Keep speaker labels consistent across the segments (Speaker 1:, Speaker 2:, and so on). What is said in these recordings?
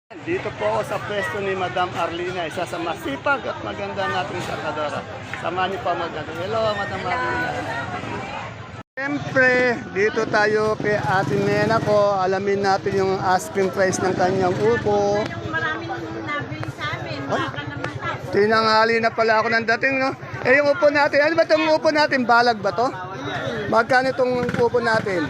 Speaker 1: Dito po ako sa pwesto ni Madam Arlina, isa sa masipag at maganda nating sakadora. Samahan niyo pa maganda. Hello, Madam Arlina. Siyempre, dito tayo kay Ate Nena ko. Alamin natin yung asking price ng kanyang upo.
Speaker 2: Marami nang nabili sa amin. Baka naman tayo.
Speaker 1: Tinanghali na pala ako ng dating, no? Eh, yung upo natin, ano ba itong upo natin? Balag ba to? Magkano itong upo natin?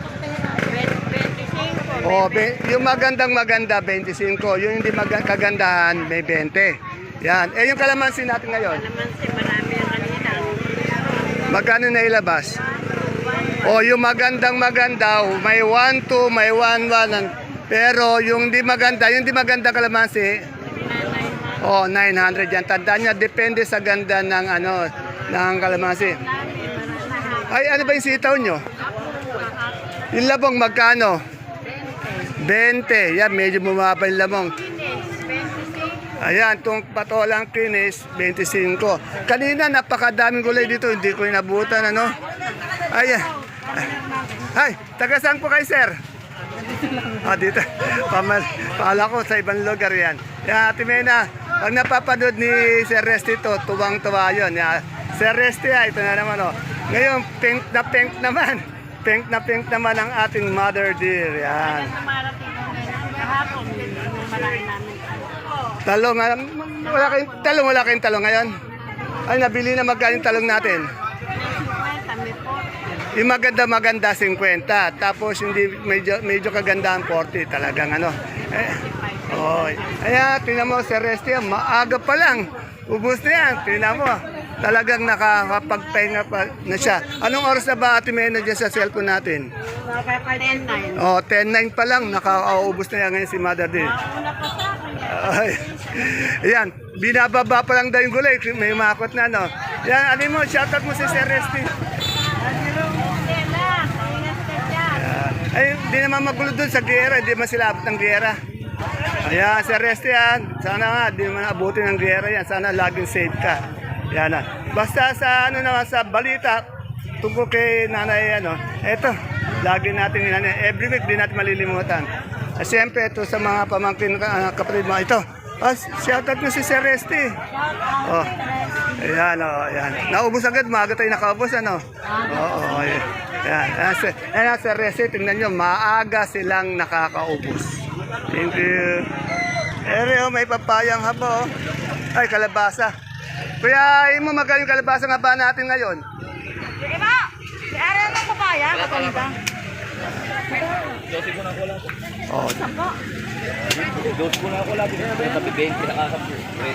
Speaker 2: 25.
Speaker 1: Oh, yung magandang maganda, 25. Yung hindi kagandahan, may 20. Yan. Eh, yung kalamansi natin ngayon,
Speaker 2: Naman si marami ang kanina.
Speaker 1: magkano na ilabas? Oh, yung magandang maganda, may 1-2, may 1-1. Pero yung di maganda kalamansi, oh, 900 yan. Tandaan niya, depende sa ganda ng ng kalamansi. Ay, ano ba yung sitaw nyo? Yung labong magkano? 20. Yan, medyo bumaba yung labong. Ayan, itong patolang kinis, 25. Kanina, napakadaming gulay dito. Hindi ko inabutan, ano? Ayan. Ay, taga saan po kayo, sir? Ah, dito. Pala ko sa ibang lugar yan. Yan, Ate Mena, pag napapanood ni Sir Resty ito, tuwang-tuwa yun. Yan. Sir Resty, ito na naman, oh. Ngayon, pink naman. Pink naman ang ating mother dear. Yan.
Speaker 2: Marating ko ngayon. Kahapon, yung marami namin.
Speaker 1: Talong, wala kayong talong ngayon? Ay, nabili na magkano yung talong natin?
Speaker 2: 50, may 40.
Speaker 1: Yung maganda 50. Tapos hindi medyo kagandahan 40 talagang ano. Ayan, tingnan mo si Resty, maaga pa lang. Ubus na yan, tingnan mo. Talagang nakakapagpahinga pa na siya. Anong oras na ba Ate Mena dyan sa cellphone natin?
Speaker 2: 10-9.
Speaker 1: Oh, 10:09 pa lang, nakakaubos na yan ngayon si Mother D.
Speaker 2: Una pa sa akin.
Speaker 1: Ay, ayan, binababa pa lang daw yung gulay, may makot na, no? Yan, ano mo, shoutout mo si Sir Resty.
Speaker 2: Stella, ingat ka dyan.
Speaker 1: Ay, di naman magulo dun sa giyera, di man sila abot ng giyera. Ayan, Sir Resty yan, sana nga, di man abutin ng giyera yan, sana laging safe ka. Yan na. Basta sa naman sa balita, tungkol kay nanay, eto, lagi natin every week, di natin malilimutan. Siyempre, ito sa mga pamangkin, kapatid mga ito. Shoutout nyo si Sir Resty. Oh, ayan, ayan. Naubos agad, maaga tayo nakaubos, ano? Oo, ayan. Ayan, Sir Resty, tingnan nyo, maaga silang nakakaubos. Thank you. Ere, may papayang habo. Ay, kalabasa. Kuya, mo magaling kalabasa nga ba natin ngayon?
Speaker 2: Iba! Si Ariel ng papaya, katulita.
Speaker 1: Oh,
Speaker 3: Dos ko na ako lagi. Tapi 20 nakakapo.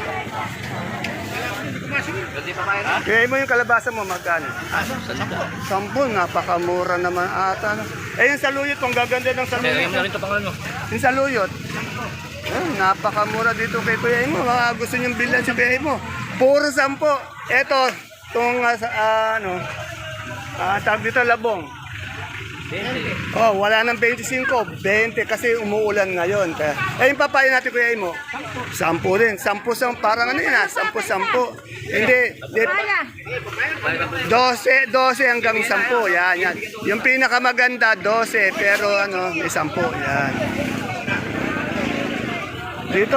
Speaker 1: kaya mo yung kalabasa mo, magkano? 10, napakamura naman ata. Eh, yung saluyot, kung gaganda ng saluyot.
Speaker 3: Kaya na rin ito pangalan mo.
Speaker 1: Yung saluyot, napakamura dito kay Kuya Imo. Mga gusto niyong bilan si Kuya Imo. Puro 10. Eto, itong tawag dito, labong.
Speaker 3: 20.
Speaker 1: Oh, wala nang 25, 20 kasi umuulan ngayon. Eh, yung papaya natin Kuya Imo, 10 din. 10 parang ano yun 10. Hindi, 12 hanggang 10. Yan. Yung pinakamaganda, 12, pero may 10. Yan. Dito.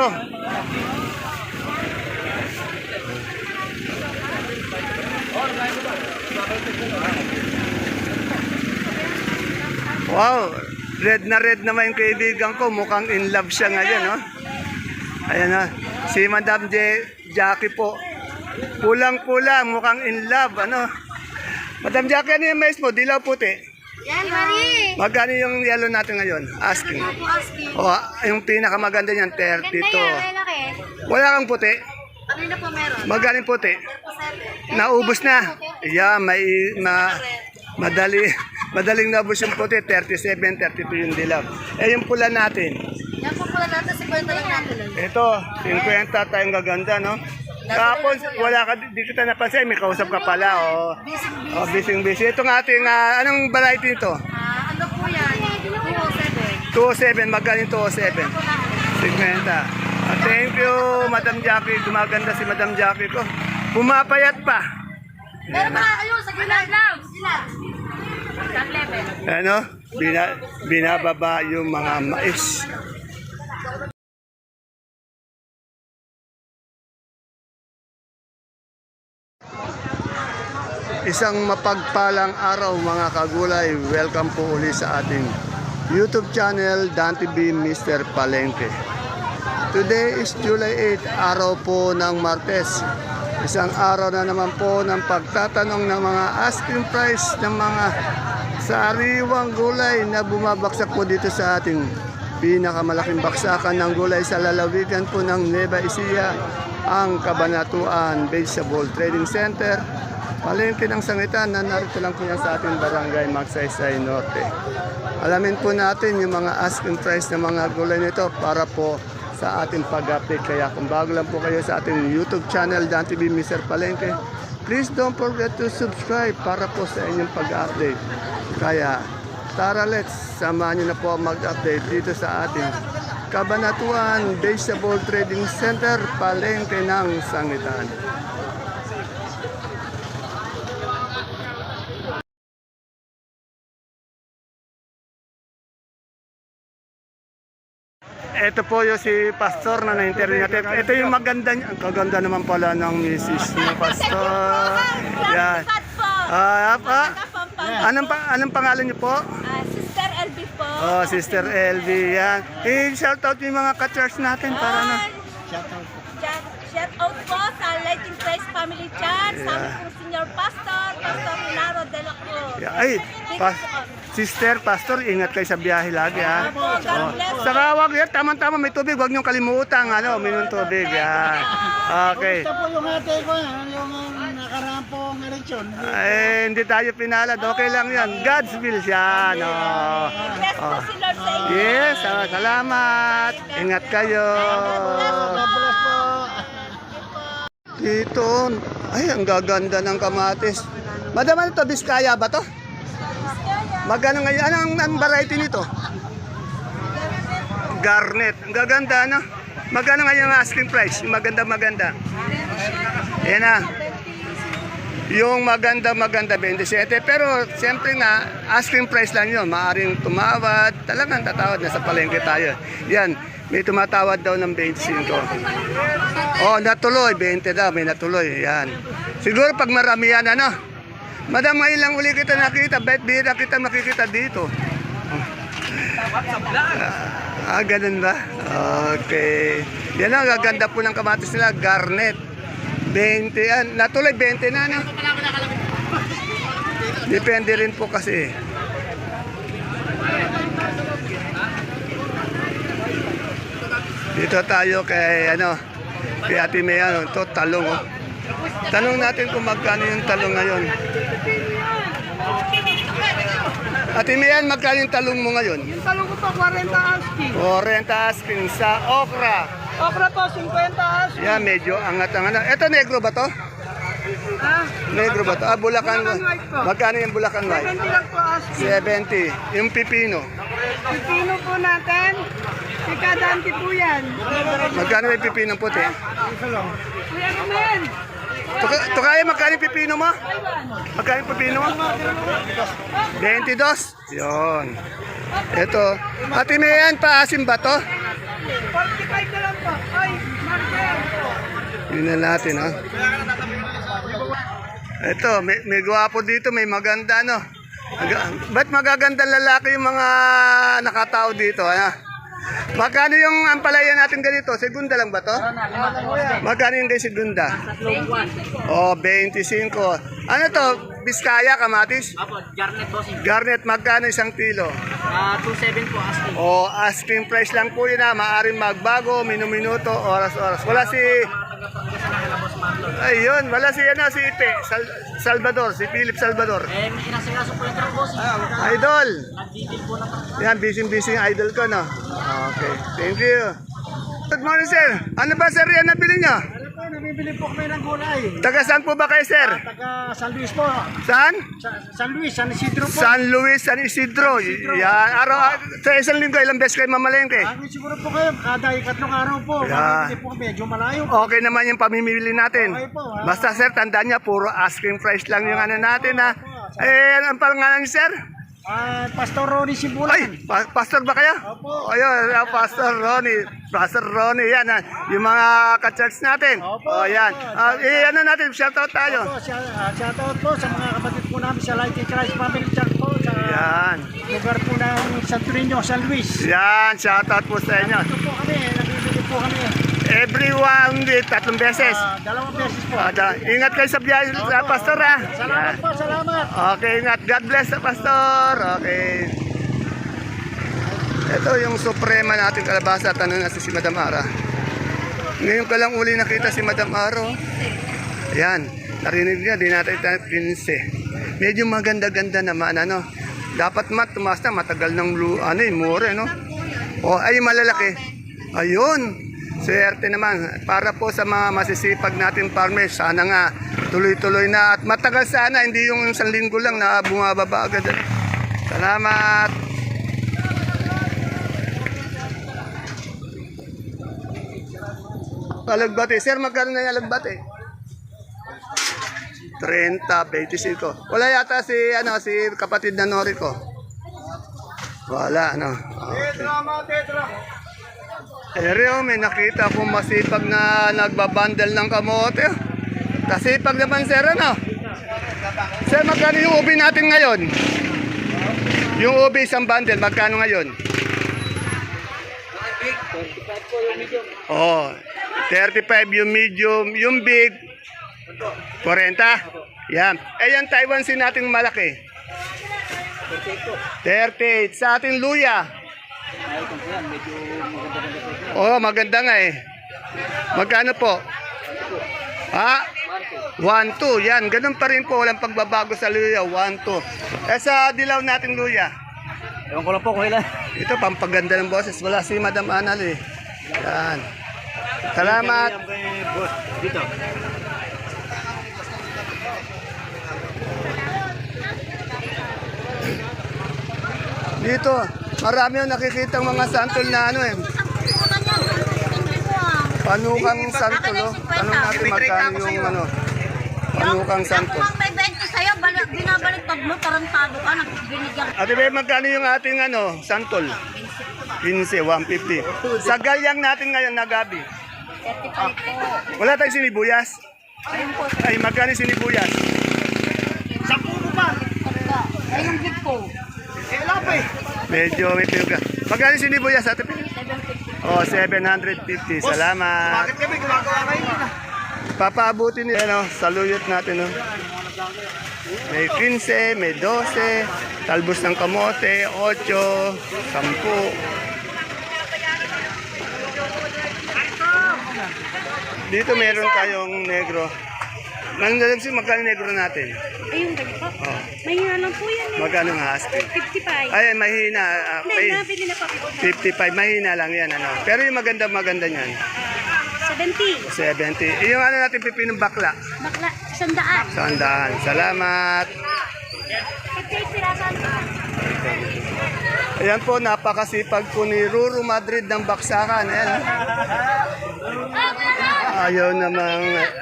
Speaker 1: Wow, red naman yung kaibigan ko. Mukhang in love siya ngayon, no? Ayan na, si Madam Jackie po. Pulang-pulang, mukhang in love, ano? Madam Jackie, ano yung mais mo? Dilaw puti.
Speaker 2: Yan, Marie.
Speaker 1: Magkano yung yellow natin ngayon? Asking. O, yung pinakamaganda niyan, 32.
Speaker 2: Laki.
Speaker 1: Wala kang puti?
Speaker 2: Ano na po meron?
Speaker 1: Magkano yung puti? Naubos na. Yeah, madaling naubos yung puti, 37, 32 yung dilaw. Eh, yung pula natin.
Speaker 2: Yan po pala natin, 50 lang natin.
Speaker 1: Ito, 50 tayong gaganda, no? Tapos, wala ka, di kita napansin, may kausap ka pala, oh. Busy. Ito nga ating, anong variety ito?
Speaker 2: Ano po yan?
Speaker 1: 207, magkano yung 207? 50. Thank you, Madam Jackie. Gumaganda si Madam Jackie ko. Pumapayat pa.
Speaker 2: Meron pa kayo sa gilid.
Speaker 1: Binababa yung mga mais. Isang mapagpalang araw mga kagulay. Welcome po uli sa ating YouTube channel, Dan TV Mr. Palengke. Today is July 8, araw po ng Martes. Isang araw na naman po ng pagtatanong ng mga asking price ng mga sariwang gulay na bumabaksak po dito sa ating pinakamalaking baksakan ng gulay sa lalawigan po ng Nueva Ecija, ang Cabanatuan Vegetable Trading Center. Palengke ng Sangitan na narito lang po yan sa ating barangay Magsaysay Norte. Alamin po natin yung mga asking price ng mga gulay nito para po sa ating pag-update. Kaya kung bago lang po kayo sa ating YouTube channel, Dan TV Mr. Palengke, please don't forget to subscribe para po sa inyong pag-update. Kaya tara, let's samahan nyo na po mag-update dito sa ating Cabanatuan Vegetable Trading Center, Palengke ng Sangitan. Ito po yung si Pastor na na-interview natin. Ito yung maganda niya. Ang kaganda naman pala ng misis ni Pastor. Yan. Anong pangalan niyo po?
Speaker 2: Sister LB po.
Speaker 1: Oh, Sister LV. Yan. I-shout out yung mga ka-church natin para na.
Speaker 2: Shout out po sa Legend Praise Family Church, sa aming pong Senior Pastor, Pastor Hilaro de la Cruz.
Speaker 1: Yeah. Ay, Sister, Pastor, ingat kayo sa biyahe lagi ha.
Speaker 2: God bless.
Speaker 1: Saka wag yan, tama-tama may tubig, wag niyong kalimutan, minum tubig. Yan. Okay.
Speaker 4: Ito po yung ate ko, yung nakaraan pong eleksyon.
Speaker 1: Ay, hindi tayo pinalad, okay lang yan. God's will yan. Oh.
Speaker 2: Bless po si Lord sa inyo.
Speaker 1: Yes, salamat. Ingat kayo.
Speaker 4: God bless po.
Speaker 1: Dito, ay, ang gaganda ng kamatis. Madam, ano to? Biskaya ba to? Magkano ngayon? Anong variety nito? Garnet. Ang gaganda, no? Magkano ngayon ang asking price? Yung maganda. Yan na. Yung maganda, 27. Pero, siyempre nga, asking price lang yun. Maaring tumawad. Talagang tatawad. Nasa palengke tayo. Yan. May tumatawad daw ng 25. Oh, natuloy. 20 daw. May natuloy. Yan. Siguro pag marami yan, ano? Madam, ngayon lang uli kita nakita. Ba't bihira kita makikita dito? Ganun ba? Okay. Yan ang gaganda po ng kamatis nila. Garnet. 20 yan. Natuloy, 20 na, no? Depende rin po kasi. Dito tayo kay, kay Ate Mea. Ito, talong, oh. Tanong natin kung magkano yung talong ngayon. Ate Mian, magkano yung talong mo ngayon?
Speaker 4: Yung talong ko po, 40 asking.
Speaker 1: 40 asking sa okra.
Speaker 4: Okra po, 50 asking.
Speaker 1: Yan, medyo angat ang Ito, negro ba to? Negro ba to? Bulacan.
Speaker 4: Bulacan White po.
Speaker 1: Magkano yung Bulacan White?
Speaker 4: 70 lang po asking.
Speaker 1: 70. Yung pipino.
Speaker 4: Pipino po natin, ikadante po yan.
Speaker 1: Magkano yung pipino puti?
Speaker 4: Kuya Rumen,
Speaker 1: Ito kaya, magkano yung pipino mo? Magkano yung pipino mo? 22. Yun. Ito. Ate Mian, paasim ba to?
Speaker 4: 45 na lang po. Ay, Marcel.
Speaker 1: Yun na natin, ha? Ito, may gwapo dito, may maganda, no? Ba't magaganda lalaki yung mga nakatao dito, ha? Magkano yung ampalaya natin ganito? Segunda lang ba to? Magkano yung segunda? Oh, 25. Ano to? Biskaya, kamatis?
Speaker 5: Apo, Garnet bossing.
Speaker 1: Garnet, magkano isang kilo?
Speaker 5: 27 po asking.
Speaker 1: Oh, asking price lang po yun, ha? Maaring magbago, minuto, oras-oras. Wala si... Ayun, wala si si Ipe, Salvador, si Philip Salvador.
Speaker 5: May inasikaso po yung truck bossing.
Speaker 1: Idol!
Speaker 5: Nag-deal po na truck.
Speaker 1: Yan, busy yung idol ko, no? Okay, thank you. Good morning, sir. Ano ba, sir, yan nabili nyo?
Speaker 4: Ano po, nabibili po kami ng gulay.
Speaker 1: Taga saan po ba kayo, sir?
Speaker 4: Taga San Luis po.
Speaker 1: Saan?
Speaker 4: San Luis, San Isidro po.
Speaker 1: San Luis, San Isidro. Yan, sa isang linggo, ilang beses kayo mamalengke?
Speaker 4: Siguro po kayo, kada ikatlong araw po.
Speaker 1: Yeah.
Speaker 4: Mabibili po medyo malayo.
Speaker 1: Okay naman yung pamimili natin.
Speaker 4: Okay po, ha?
Speaker 1: Basta, sir, tandaan niya, puro asking price lang yung natin, ha? Ang pangalan niyo, sir?
Speaker 5: Pastor Ronnie Sibulan.
Speaker 1: Ay, pastor ba kayo?
Speaker 5: Opo.
Speaker 1: Ayun, Pastor Ronnie. Pastor Ronnie, yan. Yung mga ka-church natin.
Speaker 5: Opo,
Speaker 1: Yan.
Speaker 5: opo.
Speaker 1: Ano natin, shoutout tayo.
Speaker 5: Po, shoutout po sa mga kapatid po namin sa Light in Christ Family Church po sa
Speaker 1: Yan.
Speaker 5: lugar po ng Santo Niño, San Luis.
Speaker 1: Yan, shoutout po sa inyo.
Speaker 5: Ito po kami, nabibili po kami.
Speaker 1: Every 1 week, 3 beses.
Speaker 5: 2 beses po.
Speaker 1: Ingat kayo sa biyahe sa pastor, ha.
Speaker 5: Salamat po, salamat.
Speaker 1: Okay, ingat. God bless sa pastor. Okay. Ito yung suprema natin kalabasa. Tanong na si Madam Ara. Ngayon ka lang uli nakita si Madam Ara. Yan. Narinig niya, di natin 15. Medyo maganda-ganda naman, ano. Dapat tumaas na, matagal ng mure, no. Ay, malalaki. Ayun. Swerte naman. Para po sa mga masisipag natin farmers, sana nga tuloy-tuloy na at matagal sana, hindi yung isang linggo lang na bumababa agad. Salamat. Alagbate. Sir, magkano na yung alagbate? 30, 25. Wala yata si kapatid na Nori ko. Wala, ano. Okay. Ero, may nakita akong masipag na nagbabandal ng kamote. Kasipag naman, sir, ano? Sir, magkano yung ubi natin ngayon? Yung ubi isang bundle, magkano ngayon? 35 yung medium, yung big 40. Yan. Yan Taiwan sin natin malaki. 38 sa ating luya. Maganda nga eh. Magkano po? 1-2. Yan, ganun pa rin po. Walang pagbabago sa luya. 1-2. Sa dilaw nating luya.
Speaker 3: Ewan ko lang po kung ilan.
Speaker 1: Ito, pampaganda ng boses. Wala si Madam Anal eh. Yan. Salamat.
Speaker 3: Boss, dito.
Speaker 1: Dito, marami yung nakikita mga santol na ano eh. Panukang santol, oh. Tanong natin magkano yung ano. Panukang santol.
Speaker 2: Yung may 20 sa'yo, binabaliktad mo, tarantado ka, nagbinigyan.
Speaker 1: Ate Bebe, magkano yung ating ano, santol? 15, 150. Sa galyang natin ngayon na gabi.
Speaker 2: 35 po.
Speaker 1: Wala tayong sinibuyas?
Speaker 2: Ayun po.
Speaker 1: Ay, magkano yung sinibuyas?
Speaker 5: 10 pa.
Speaker 2: Ay, yung big po.
Speaker 1: Medyo may pinuga. Magkano yung sinibuyas, Ate Bebe? 750. Salamat.
Speaker 5: Bakit kami gumagawa ngayon?
Speaker 1: Papaabutin niya, ano, saluyot natin, no? May 15, may 12, talbos ng kamote, 8, 10. Dito meron tayong negro. Nandalag si magkano negro natin?
Speaker 2: Ay, yung ganito?
Speaker 1: Oh.
Speaker 2: Mahina lang po yan eh.
Speaker 1: Magkano nga husky?
Speaker 2: 55.
Speaker 1: Ay, mahina.
Speaker 2: Hindi, nabili na pa.
Speaker 1: 55, mahina lang yan, ano. Pero yung maganda niyan.
Speaker 2: 70.
Speaker 1: 70. Yung ano natin pipinong bakla.
Speaker 2: Bakla, 100.
Speaker 1: 100. Salamat.
Speaker 2: 58 pirasan.
Speaker 1: Ayan po, napakasipag po ni Ruru Madrid ng Baksakan. Ayan. Ayaw namang,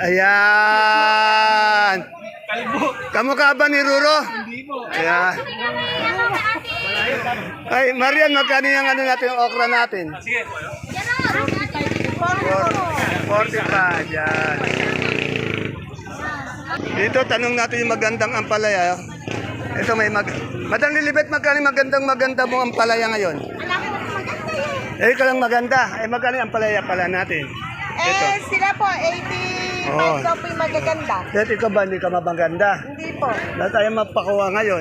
Speaker 1: ayan. Kamukha ba ni Ruru? Ayan. Ay, Marian, magkano yung ano natin, yung okra natin? 45, yan. Dito, tanong natin yung magandang ampalaya. Ito may Madam Lilibet, magkano maganda mo ampalaya ngayon? Ikaw lang maganda. Magkano yung ampalaya pala natin? Ito.
Speaker 4: Sila po, 85
Speaker 1: Oo.
Speaker 4: daw po yung magaganda.
Speaker 1: Ito, ikaw ba, hindi ka mabaganda?
Speaker 4: Hindi po.
Speaker 1: Dahil tayo mapakuha ngayon.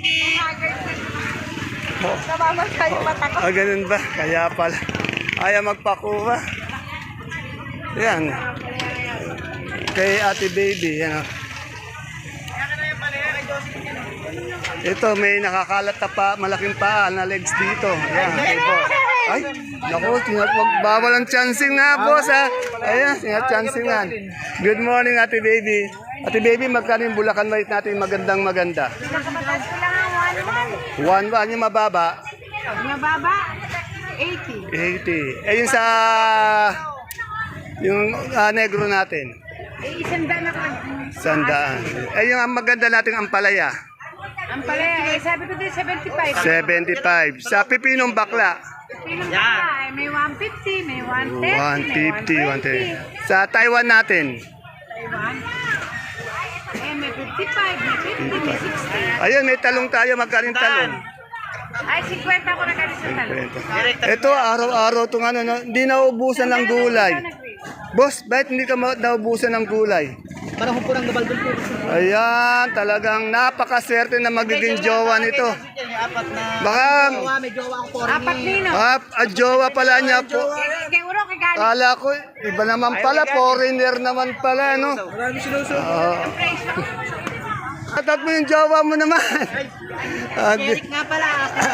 Speaker 4: Namamatay yung mata ko.
Speaker 1: Ganun ba? Kaya pala. Ayaw magpakuha. Yan. Kay Ate Baby, yan o. Ito, may nakakalat na pa, malaking paa na legs dito. Yan, okay po. Ay, naku, bawal ang chancing na, boss, ha. Ayan, chancing na. Good morning, Ate Baby. Ate Baby, magkano yung Bulacan White natin magandang-maganda?
Speaker 4: Pinakamataas ko lang ang
Speaker 1: 1 yung mababa?
Speaker 4: Mababa, 80.
Speaker 1: 80. Yung sa... Yung negro natin?
Speaker 4: Isang daan ako.
Speaker 1: 100. Yung maganda nating ampalaya?
Speaker 4: Ang palaya, sabi ko din 75.
Speaker 1: 75. Sa pipinong bakla,
Speaker 4: Pinong yeah. May 150, may 130,
Speaker 1: 150, 130. Sa Taiwan natin,
Speaker 4: Taiwan. May 55, may 50, may 60.
Speaker 1: ayun, may talong tayo. Magkano yung talong?
Speaker 4: Ay, 50 ako na ganito sa talong.
Speaker 1: Ito, araw-araw itong ano, no? Hindi naubusan ng gulay. Boss, bakit hindi ka naubusan ng gulay?
Speaker 5: Parang po ng gabaldon po.
Speaker 1: Ayan, talagang napakaswerte na magiging jowa nito.
Speaker 5: Apat na.
Speaker 1: Baka,
Speaker 5: May jowa ang foreign.
Speaker 4: Apat nino.
Speaker 1: jowa pala niya po.
Speaker 4: Kay Uro, kay Gali.
Speaker 1: Kala ko, iba naman pala, foreigner naman pala, no?
Speaker 5: Marami sinusunod.
Speaker 1: Atat mo yung jowa mo naman.
Speaker 5: Eric nga pala.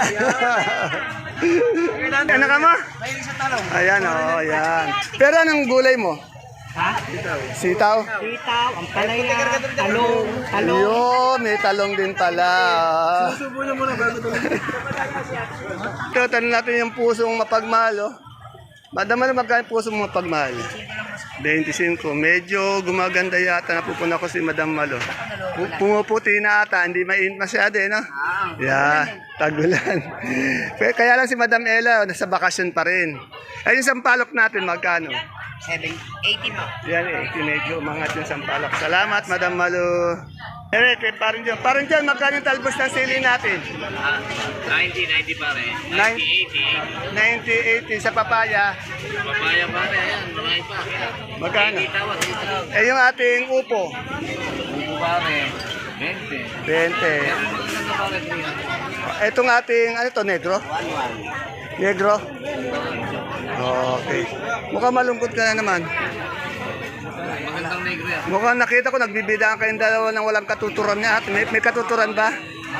Speaker 1: Ano ka mo?
Speaker 5: Mahilig sa talong.
Speaker 1: Ayan, ayan. Pero anong gulay mo?
Speaker 5: Ha?
Speaker 1: Sitaw?
Speaker 5: Sitaw, ang palaya, talong,
Speaker 1: Yun, may talong din pala.
Speaker 5: Susubo na muna bago ito.
Speaker 1: Ito, tanong natin yung pusong mapagmahal, oh. Madam, ano magkano pusong mapagmahal? 25. Medyo gumaganda yata. Napupuna ko si Madam Malo. Pumuputi na ata. Hindi mainit masyado, eh, no? Yeah, tagulan. Kaya lang si Madam Ella, nasa bakasyon pa rin. Ay, yung sampalok natin, magkano?
Speaker 5: 80 mo.
Speaker 1: Yan, 80. Medyo umangat yung sampalok. Salamat, Madam Malo. Eric, parang dyan, magkano yung talbos ng sili natin?
Speaker 3: 90 pare.
Speaker 1: 90, 80 sa papaya.
Speaker 3: Papaya pare, ayan, marami pa.
Speaker 1: Magkano?
Speaker 3: Tawad, tawad.
Speaker 1: Eh, yung ating upo.
Speaker 3: Buko pare, 20.
Speaker 1: 20.
Speaker 3: Maganda pare, 300.
Speaker 1: Itong ating, ano to, negro? Negro? Okay. Mukhang malungkot ka na naman.
Speaker 3: Magandang negro yan.
Speaker 1: Mukhang nakita ko, nagbibidaan kayong dalawa ng walang katuturan niya. May katuturan ba?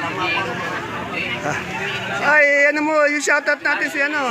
Speaker 1: Ay, ano mo, yung shoutout natin si ano?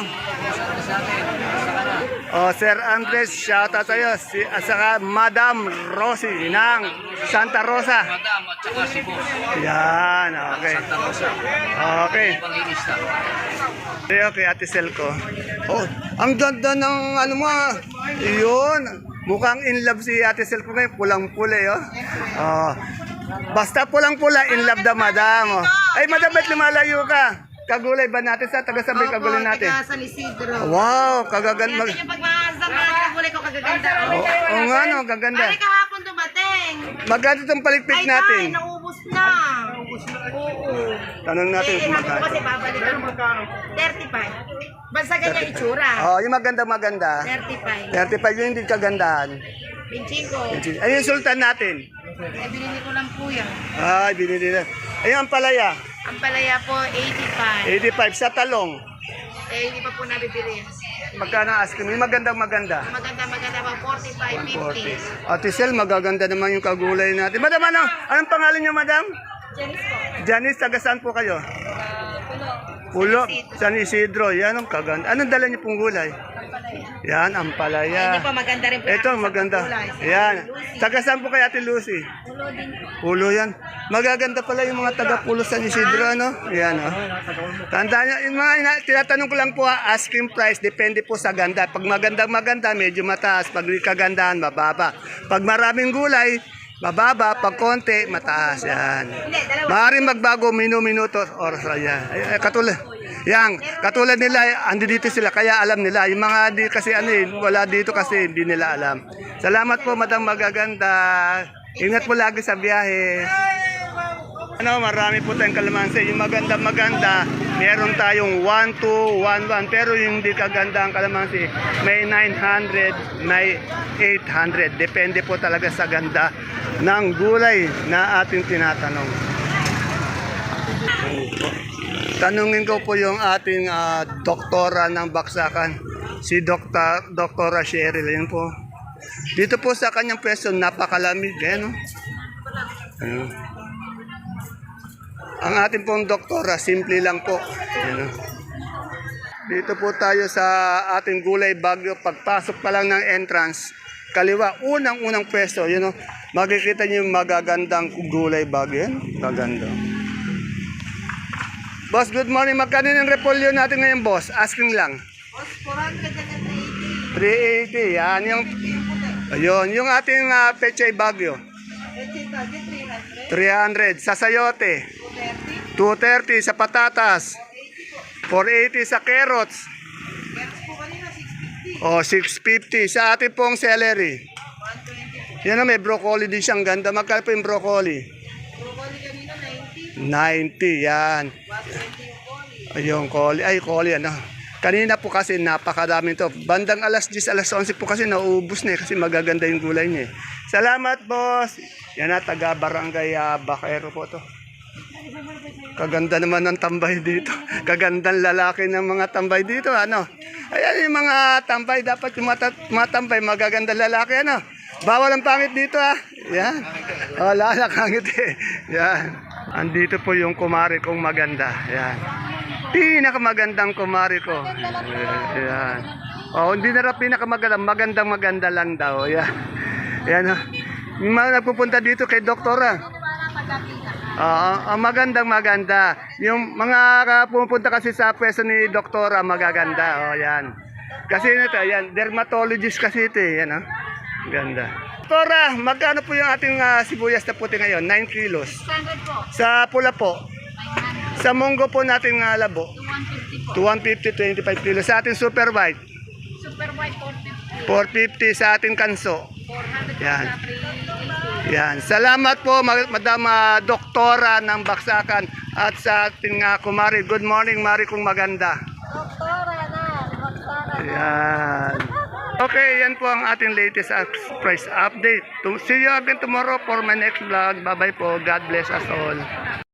Speaker 1: Oh, Sir Andres, shoutout sa'yo. Saka Madam Rosie ng Santa Rosa.
Speaker 3: Madam at saka si boss.
Speaker 1: Yan, okay.
Speaker 3: Santa Rosa.
Speaker 1: Okay.
Speaker 3: Panginista.
Speaker 1: Okay, Ate Selco. Oh, ang ganda ng ano mo. Ah. Iyon. Mukhang in love si Ate Selco ngayon. Pulang-pula, oh. Oh. Basta pulang-pula, in love the madam. Oh. Ay, madam, ba't lumalayo ka? Kagulay ba natin sa taga-sabay kagulay natin?
Speaker 4: San Isidro.
Speaker 1: Wow, kagaganda.
Speaker 4: Yung pagmahasang mga kagulay ko kagaganda.
Speaker 1: Oo nga, no, kaganda.
Speaker 4: Ay, kahapon dumating.
Speaker 1: Magkano itong palikpik
Speaker 4: Ay,
Speaker 1: natin?
Speaker 4: naubos na. Oo.
Speaker 1: Tanong natin kung
Speaker 4: Sabi ko
Speaker 1: magkano.
Speaker 4: kasi babalikan mo. 35. Basta ganyan itsura.
Speaker 1: Oh, yung maganda-maganda.
Speaker 4: 35.
Speaker 1: 35 yung hindi kagandahan.
Speaker 4: 25.
Speaker 1: Ay, yung sultan natin.
Speaker 4: Ay, binili ko lang po yan.
Speaker 1: Ay, binili na. Ayun, ang palaya.
Speaker 4: Ang palaya po, 85.
Speaker 1: 85 sa talong.
Speaker 4: Eh, hindi pa po nabibili.
Speaker 1: Magkano asking? Yung maganda-maganda.
Speaker 4: Maganda pa, 45, 50.
Speaker 1: 40. Ate Sel, magaganda naman yung kagulay natin. Madam, ano? Anong pangalan niyo, madam?
Speaker 2: Janice po.
Speaker 1: Janice, taga saan po kayo? Pulo. San Isidro. Yan ang kaganda. Anong dala niyo pong gulay? Yan, ang palaya.
Speaker 4: Hindi pa maganda rin po.
Speaker 1: Ito, maganda. Yan. Taga saan po kay Ate Lucy? Pulo yan. Magaganda pala yung mga taga Pulo San Isidro, ano? Yan, oh. Tandaan niyo, yung mga tinatanong ko lang po, asking price, depende po sa ganda. Pag maganda, medyo mataas. Pag kagandahan, mababa. Pag maraming gulay, mababa. Pag konti, mataas. Yan. Maaaring magbago, minuto, oras. Yan. Katulad nila, andi dito sila, kaya alam nila. Yung mga di kasi wala dito kasi hindi nila alam. Salamat po, Madam Magaganda. Ingat po lagi sa biyahe. Marami po tayong kalamansi. Yung maganda, meron tayong 1,211. Pero yung hindi kaganda ang kalamansi, may 900, may 800. Depende po talaga sa ganda ng gulay na ating tinatanong. Tanungin ko po yung ating doktora ng baksakan, si Doktora Cheryl. Yan po. Dito po sa kanyang pwesto, napakalamig. Ayan, Ayan. Ang ating pong doktora, simple lang po. Ayan, Dito po tayo sa ating gulay Bagyo. Pagpasok pa lang ng entrance, kaliwa, unang-unang pwesto. Makikita niyo yung magagandang gulay Bagyo. Yan, maganda. Boss, good morning. Magkano yung repolyo natin ngayon, boss? Asking lang.
Speaker 4: Boss, 400
Speaker 1: 380. Yan yung... Ayun, yung ating Pechay Bagyo. 300. Sa sayote. 230 sa patatas. 480 sa carrots. O, 650 sa ating pong celery. Yan na, may broccoli din siyang ganda. Magkano po yung broccoli? Broccoli kanina 90. 90, yan. Ayun, coli. Ay, coli, ano. Kanina po kasi napakadami to. Bandang alas 10, alas 11 po kasi nauubos na kasi magaganda yung gulay niya. Salamat, boss. Yan na, taga Barangay Bacaero po to. Kaganda naman ng tambay dito. Kagandang lalaki ng mga tambay dito, ano. Ayan yung mga tambay, dapat yung mga tambay, magaganda lalaki, ano. Bawal ang pangit dito, ah. Yan. Wala na pangit eh. Yan. Andito po yung kumari kong maganda. Yan. Pinakamagandang kumari ko. Yan. Oh, hindi na rin pinakamagandang, maganda lang daw. Yan. Yan. Yung mga nagpupunta dito kay doktora. Maganda. Yung mga pupunta kasi sa pwesto ni doktora, magaganda. Oh, yan. Kasi ito, yan, dermatologist kasi ito, yan, oh. Ganda. Doktora, magkano po yung ating sibuyas na puti ngayon? 9 kilos.
Speaker 2: 600 po.
Speaker 1: Sa pula po.
Speaker 2: 900.
Speaker 1: Sa munggo po natin labo.
Speaker 2: 250 po.
Speaker 1: 250, 25 kilos. Sa ating super white.
Speaker 2: Super white
Speaker 1: 450
Speaker 2: 450.
Speaker 1: sa ating kanso.
Speaker 2: 400
Speaker 1: Yan.
Speaker 2: sa 380.
Speaker 1: Yan. Salamat po, Madam Doktora ng Baksakan at sa ating kumari. Good morning, Mari kong maganda.
Speaker 2: Doktora na. Doktora na.
Speaker 1: Yan. Okay, yan po ang ating latest price update. See you again tomorrow for my next vlog. Bye-bye po. God bless us all.